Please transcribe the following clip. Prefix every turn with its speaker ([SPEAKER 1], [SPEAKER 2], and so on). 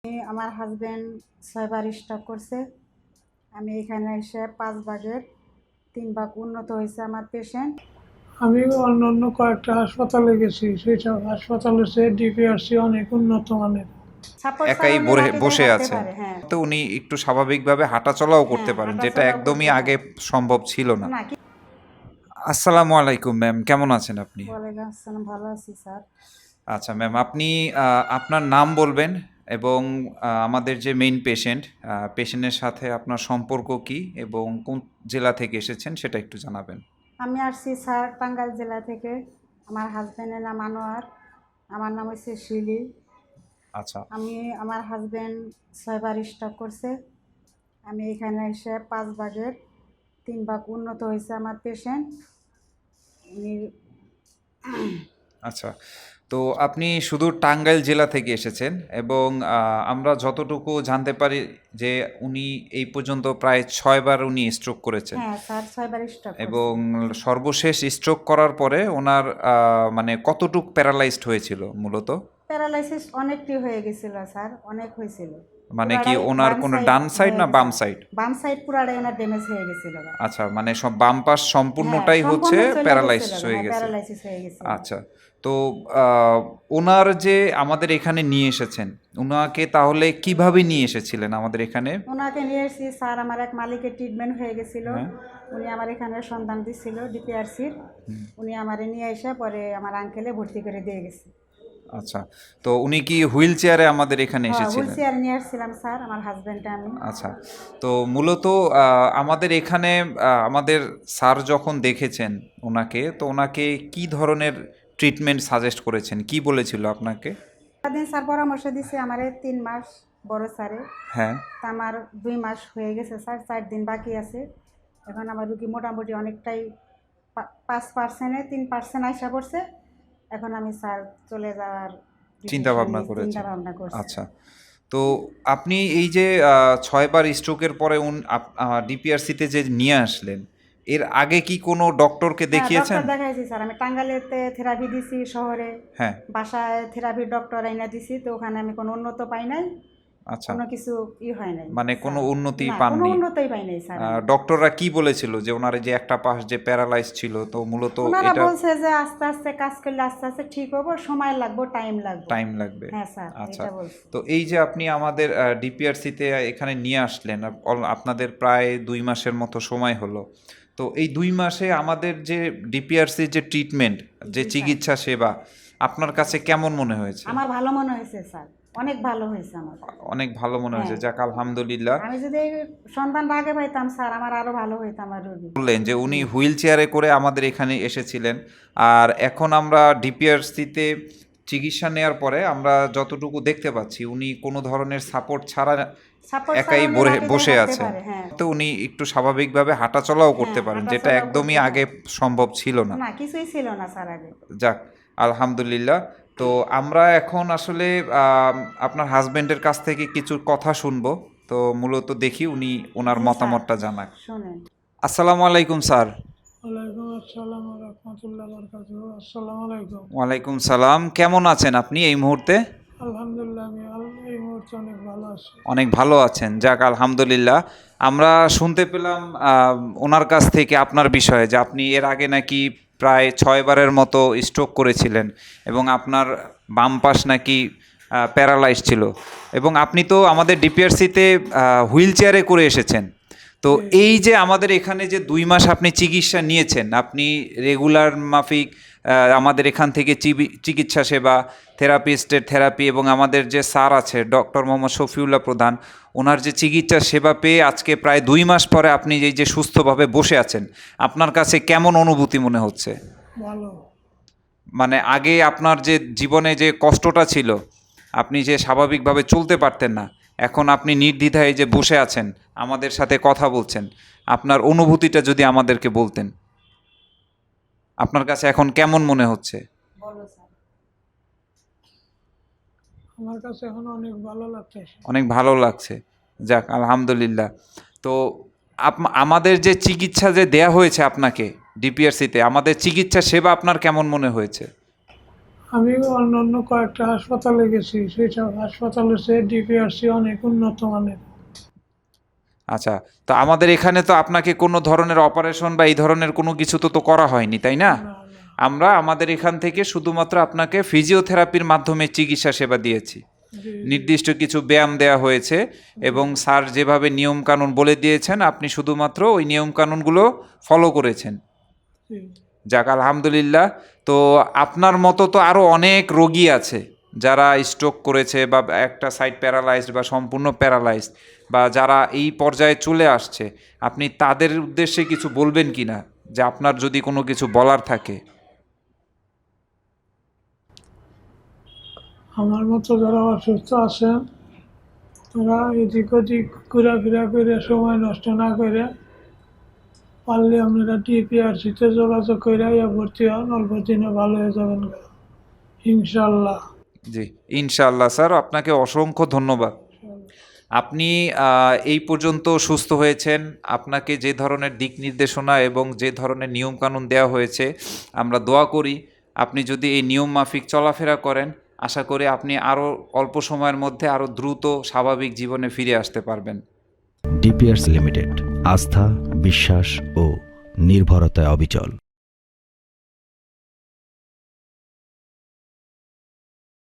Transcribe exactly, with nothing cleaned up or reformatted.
[SPEAKER 1] আমি আমার হাজব্যান্ড ছয়বার স্ট্রোক করছে। আমি এখানে এসে পাঁচ ভাগের তিন ভাগ উন্নত হয়েছে আমার পেশেন্ট।
[SPEAKER 2] আমি অন্য অন্য কয়েকটা হাসপাতালে গেছি, সেইসব হাসপাতালের চেয়ে ডিপিআরসি অনেক উন্নত মানের।
[SPEAKER 1] সাপোর্ট ছাড়া
[SPEAKER 3] একাই
[SPEAKER 1] উনি
[SPEAKER 3] বরে
[SPEAKER 1] লাঠি দিয়ে
[SPEAKER 3] বসে
[SPEAKER 1] হাঁটতে
[SPEAKER 3] আছেন।
[SPEAKER 1] পারে। হ্যাঁ
[SPEAKER 3] তো উনি একটু স্বাভাবিকভাবে হাঁটাচলাও করতে
[SPEAKER 1] হ্যাঁ
[SPEAKER 3] পারেন,
[SPEAKER 1] হাঁটা
[SPEAKER 3] যেটা
[SPEAKER 1] চলাও
[SPEAKER 3] একদমই
[SPEAKER 1] করতে পারে
[SPEAKER 3] আগে সম্ভব ছিল না।
[SPEAKER 1] না কি।
[SPEAKER 3] আসসালামু আলাইকুম ম্যাম, কেমন আছেন আপনি?
[SPEAKER 1] ওয়ালাইকুম আসসালাম, ভালো আছি স্যার।
[SPEAKER 3] আচ্ছা ম্যাম, আপনি আহ, আপনার নাম বলবেন এবং আহ, আমাদের যে মেইন পেশেন্ট পেশেন্টের সাথে আপনার সম্পর্ক কি এবং কোন জেলা থেকে এসেছেন সেটা একটু জানাবেন।
[SPEAKER 1] আমি আসছি স্যার টাঙ্গাইল জেলা থেকে। আমার হাজব্যান্ডের নাম আনোয়ার, আমার নাম হচ্ছে শিলি।
[SPEAKER 3] আচ্ছা
[SPEAKER 1] আমি আমার হাজব্যান্ড ছয়বার স্ট্রোক করছে। আমি এখানে এসে পাঁচ ভাগের তিন ভাগ উন্নত হয়েছে আমার পেশেন্ট। উনি
[SPEAKER 3] আচ্ছা, তো আপনি শুধু টাঙ্গাইল জেলা থেকে এসেছেন এবং আহ, আমরা যতটুকু জানতে পারি যে উনি এই পর্যন্ত প্রায় ছয়বার উনি স্ট্রোক করেছেন
[SPEAKER 1] হ্যাঁ স্যার ছয়বার স্ট্রোক
[SPEAKER 3] এবং
[SPEAKER 1] করছে।
[SPEAKER 3] সর্বশেষ স্ট্রোক করার পরে ওনার আহ, মানে কতটুক প্যারালাইজড হয়েছিল মূলত?
[SPEAKER 1] প্যারালাইসিস অনেকটি হয়ে গেছিল স্যার, অনেক হয়েছিল।
[SPEAKER 3] মানে কি
[SPEAKER 1] পুরাটাই
[SPEAKER 3] ওনার
[SPEAKER 1] বাম
[SPEAKER 3] কোনো
[SPEAKER 1] সাইড
[SPEAKER 3] ডান সাইড
[SPEAKER 1] হয়ে
[SPEAKER 3] না
[SPEAKER 1] গেছে।
[SPEAKER 3] বাম সাইড?
[SPEAKER 1] বাম সাইড পুরাটাই ওনার ড্যামেজ হয়ে গেছিল।
[SPEAKER 3] আচ্ছা, মানে সব বাম পাশ
[SPEAKER 1] হ্যাঁ
[SPEAKER 3] সম্পূর্ণটাই হচ্ছে
[SPEAKER 1] সম্পূর্ণ চলে
[SPEAKER 3] প্যারালাইসিস
[SPEAKER 1] গেছিল,
[SPEAKER 3] হয়ে
[SPEAKER 1] হ্যাঁ
[SPEAKER 3] গেছে।
[SPEAKER 1] প্যারালাইসিস হয়ে গেছিল।
[SPEAKER 3] আচ্ছা, তো আহ, ওনার যে আমাদের এখানে নিয়ে এসেছেন, ওনাকে তাহলে কিভাবে নিয়ে এসেছিলেন আমাদের এখানে?
[SPEAKER 1] ওনাকে নিয়ে এসেছি স্যার, আমার এক মালিকের ট্রিটমেন্ট হয়ে গেছিল।
[SPEAKER 3] হ্যাঁ।
[SPEAKER 1] উনি আমার এখানে সন্ধান দিচ্ছিল ডিপিআরসির। উনি আমার নিয়ে এসে পরে আমার আঙ্কেলে ভর্তি করে দিয়ে গেছে।
[SPEAKER 3] আচ্ছা, তো উনি কি হুইল চেয়ারে আমাদের এখানে
[SPEAKER 1] হ্যাঁ হুইল
[SPEAKER 3] এসেছিলেন?
[SPEAKER 1] চেয়ার নিয়ে আসছিলাম স্যার, আমার হাজব্যান্ডটা আমি।
[SPEAKER 3] আচ্ছা, তো মূলত আহ, আমাদের এখানে আহ, আমাদের স্যার যখন দেখেছেন ওনাকে, তো ওনাকে কি ধরনের ট্রিটমেন্ট সাজেস্ট করেছেন, কি বলেছিল আপনাকে?
[SPEAKER 1] দিন স্যার পরামর্শ দিছে আমার তিন মাস বড় স্যারে।
[SPEAKER 3] হ্যাঁ।
[SPEAKER 1] তা আমার দুই মাস হয়ে গেছে স্যার, চার দিন বাকি আছে। এখন আমার রুগী মোটামুটি অনেকটাই পা- পাঁচ পার্সেন্টে তিন পার্সেন্ট আশা করছে। এখন আমি স্যার চলে যাওয়ার
[SPEAKER 3] চিন্তা ভাবনা
[SPEAKER 1] চিন্তা
[SPEAKER 3] করেছেন।
[SPEAKER 1] ভাবনা করছি।
[SPEAKER 3] আচ্ছা, তো আপনি এই যে আহ, ছয়বার স্ট্রোকের পরে উন ডিপিআরসিতে যে নিয়ে আসলেন, এর আগে কি কোনো ডক্টরকে
[SPEAKER 1] হ্যাঁ
[SPEAKER 3] দেখিয়েছেন?
[SPEAKER 1] ডক্টর দেখাইছি স্যার, আমি টাঙ্গাইলেতে থেরাপি দিছি শহরে।
[SPEAKER 3] হ্যাঁ।
[SPEAKER 1] বাসায় থেরাপির ডক্টর আইনা দিছি, তো ওখানে আমি কোনো উন্নত পাই নাই,
[SPEAKER 3] আচ্ছা,
[SPEAKER 1] কোনো কিছু ই হয় নাই
[SPEAKER 3] মানে কোনো
[SPEAKER 1] স্যার।
[SPEAKER 3] উন্নতি
[SPEAKER 1] না কোনো
[SPEAKER 3] পাননি?
[SPEAKER 1] উন্নতই পাই নাই স্যার আমি।
[SPEAKER 3] ডক্টররা কি বলেছিল যে ওনার যে একটা পাশ যে প্যারালাইজ ছিল, তো মূলত
[SPEAKER 1] ওনারা
[SPEAKER 3] এটা
[SPEAKER 1] বলছে যে আস্তে আস্তে কাজ করলে আস্তে আস্তে ঠিক হবো, সময় লাগবে, টাইম লাগবে।
[SPEAKER 3] টাইম লাগবে।
[SPEAKER 1] হ্যাঁ স্যার
[SPEAKER 3] আচ্ছা,
[SPEAKER 1] এটা বলছে।
[SPEAKER 3] তো এই যে আপনি আমাদের ডিপিআরসিতে এখানে নিয়ে আসলেন, আপ- অল- আপনাদের প্রায় দুই মাসের মতো সময় হলো। তো এই দুই মাসে আমাদের যে ডিপিআরসির যে ট্রিটমেন্ট, যে
[SPEAKER 1] জি,
[SPEAKER 3] চিকিৎসা সেবা আপনার কাছে কেমন মনে হয়েছে?
[SPEAKER 1] আমার ভালো মনে হয়েছে স্যার, অনেক ভালো হয়েছে আমার।
[SPEAKER 3] অনেক ভালো মনে হয়েছে,
[SPEAKER 1] হ্যাঁ।
[SPEAKER 3] যাক আলহামদুলিল্লাহ।
[SPEAKER 1] আমি যদি এই সন্ধানটা আগে পাইতাম স্যার, আমার আরো ভালো হইতো আমার রোগী।
[SPEAKER 3] বললেন যে উনি হুইল চেয়ারে করে আমাদের এখানে এসেছিলেন, আর এখন আমরা ডিপিআরসিতে চিকিৎসা নেওয়ার পরে আমরা যতটুকু দেখতে পাচ্ছি উনি কোনো ধরনের সাপোর্ট ছাড়া
[SPEAKER 1] সাপোর্ট ছাড়া
[SPEAKER 3] একাই
[SPEAKER 1] উনি
[SPEAKER 3] বরে-
[SPEAKER 1] লাঠি দিয়ে
[SPEAKER 3] বসে
[SPEAKER 1] হাঁটতে
[SPEAKER 3] আছেন।
[SPEAKER 1] পারে। হ্যাঁ
[SPEAKER 3] তো উনি একটু স্বাভাবিকভাবে হাঁটাচলাও করতে
[SPEAKER 1] হ্যাঁ,
[SPEAKER 3] পারেন, যেটা
[SPEAKER 1] হাঁটাচলাও
[SPEAKER 3] একদমই
[SPEAKER 1] করতে
[SPEAKER 3] আগে সম্ভব ছিল না।
[SPEAKER 1] না কিছুই ছিল না স্যার আগে।
[SPEAKER 3] যাক আলহামদুলিল্লাহ। তো আমরা এখন আসলে আম, আপনার হাজবেন্ডের কাছ থেকে কিছু কথা শুনবো। তো মূলত দেখি উনি ওনার
[SPEAKER 1] জি স্যার,
[SPEAKER 3] মতামতটা জানাক।
[SPEAKER 1] শোনেন।
[SPEAKER 3] আসসালামু আলাইকুম স্যার।
[SPEAKER 2] ওয়ালাইকুম আসসালাম রহমতুল্লাহ বরকাতুহ। আসসালামু আলাইকুম।
[SPEAKER 3] ওয়ালাইকুম সালাম, কেমন আছেন আপনি এই মুহূর্তে?
[SPEAKER 2] আলহামদুলিল্লাহ আমি আল- এই মুহূর্তে অনেক ভালো আছি।
[SPEAKER 3] অনেক ভালো আছেন, যাক আলহামদুলিল্লাহ। আমরা শুনতে পেলাম আহ, ওনার কাছ থেকে আপনার বিষয়ে যে আপনি এর আগে নাকি প্রায় ছয়বারের মতো স্ট্রোক করেছিলেন এবং আপনার বাম পাশ নাকি প্যারালাইজ ছিল, এবং আপনি তো আমাদের ডিপিআরসিতে হুইল চেয়ারে করে এসেছেন। তো এই যে আমাদের এখানে যে দুই মাস আপনি চিকিৎসা নিয়েছেন, আপনি রেগুলার মাফিক আহ, আমাদের এখান থেকে চিবি- চিকিৎসা সেবা, থেরাপিস্টের থেরাপি এবং আমাদের যে স্যার আছে ডক্টর মোহাম্মদ শফিউল্লাহ প্রধান, ওনার যে চিকিৎসা সেবা পেয়ে আজকে প্রায় দুই মাস পরে আপনি এই যে সুস্থভাবে বসে আছেন, আপনার কাছে কেমন অনুভূতি মনে হচ্ছে?
[SPEAKER 2] ভালো।
[SPEAKER 3] মানে আগে আপনার যে জীবনে যে কষ্টটা ছিল, আপনি যে স্বাভাবিকভাবে চলতে পারতেন না, এখন আপনি নির্দ্বিধায় যে বসে আছেন আমাদের সাথে কথা বলছেন, আপনার অনুভূতিটা যদি আমাদেরকে বলতেন, আপনার কাছে এখন কেমন মনে হচ্ছে?
[SPEAKER 1] বলো স্যার।
[SPEAKER 2] আমার কাছে এখন অনেক ভালো লাগতেছে।
[SPEAKER 3] অনেক ভালো লাগছে, যাক আলহামদুলিল্লাহ। তো আপ- আমাদের যে চিকিৎসা যে দেয়া হয়েছে আপনাকে ডিপিআরসিতে, আমাদের চিকিৎসা সেবা আপনার কেমন মনে হয়েছে?
[SPEAKER 2] আমি অন্য অন্য কয়েকটা হাসপাতালে গেছি, সেই সব হাসপাতালে সে ডিপিআরসি অনেক উন্নত মানের।
[SPEAKER 3] আচ্ছা, তো আমাদের এখানে তো আপনাকে কোনো ধরনের অপারেশন বা এই ধরনের কোনো কিছু তো তো করা হয়নি, তাই না?
[SPEAKER 2] না, না।
[SPEAKER 3] আমরা আমাদের এখান থেকে শুধুমাত্র আপনাকে ফিজিওথেরাপির মাধ্যমে চিকিৎসা সেবা দিয়েছি।
[SPEAKER 2] জি,
[SPEAKER 3] নির্দিষ্ট কিছু ব্যায়াম দেওয়া হয়েছে এবং স্যার যেভাবে নিয়মকানুন বলে দিয়েছেন আপনি শুধুমাত্র ওই নিয়মকানুনগুলো ফলো করেছেন।
[SPEAKER 2] জি।
[SPEAKER 3] যাক আলহামদুলিল্লাহ। তো আপনার মতো তো আরও অনেক রোগী আছে যারা স্ট্রোক করেছে বা একটা সাইড প্যারালাইজড বা সম্পূর্ণ প্যারালাইজড, বা যারা এই পর্যায়ে চলে আসছে, আপনি তাদের উদ্দেশ্যে কিছু বলবেন কি না, যে আপনার যদি কোনো কিছু বলার থাকে?
[SPEAKER 2] আমার মতো যারা অসুস্থ আছেন তারা এদিক ওদিক ঘোরাফেরা করে সময় নষ্ট না করে পারলে আপনারা ডিপিআরসিতে যোগাযোগ করে ইয়া ভর্তি হন, অল্প দিনে ভালো হয়ে যাবেন ইনশাল্লাহ।
[SPEAKER 3] জি ইনশাআল্লাহ স্যার, আপনাকে অসংখ্য ধন্যবাদ। আপনি আহ, এই পর্যন্ত সুস্থ হয়েছেন। আপনাকে যে ধরনের দিক নির্দেশনা এবং যে ধরনের নিয়মকানুন দেওয়া হয়েছে, আমরা দোয়া করি আপনি যদি এই নিয়ম মাফিক চলাফেরা করেন, আশা করি আপনি আরও অল্প সময়ের মধ্যে আরও দ্রুত স্বাভাবিক জীবনে ফিরে আসতে পারবেন।
[SPEAKER 4] ডিপিআরস লিমিটেড, আস্থা, বিশ্বাস ও নির্ভরতায় অবিচল।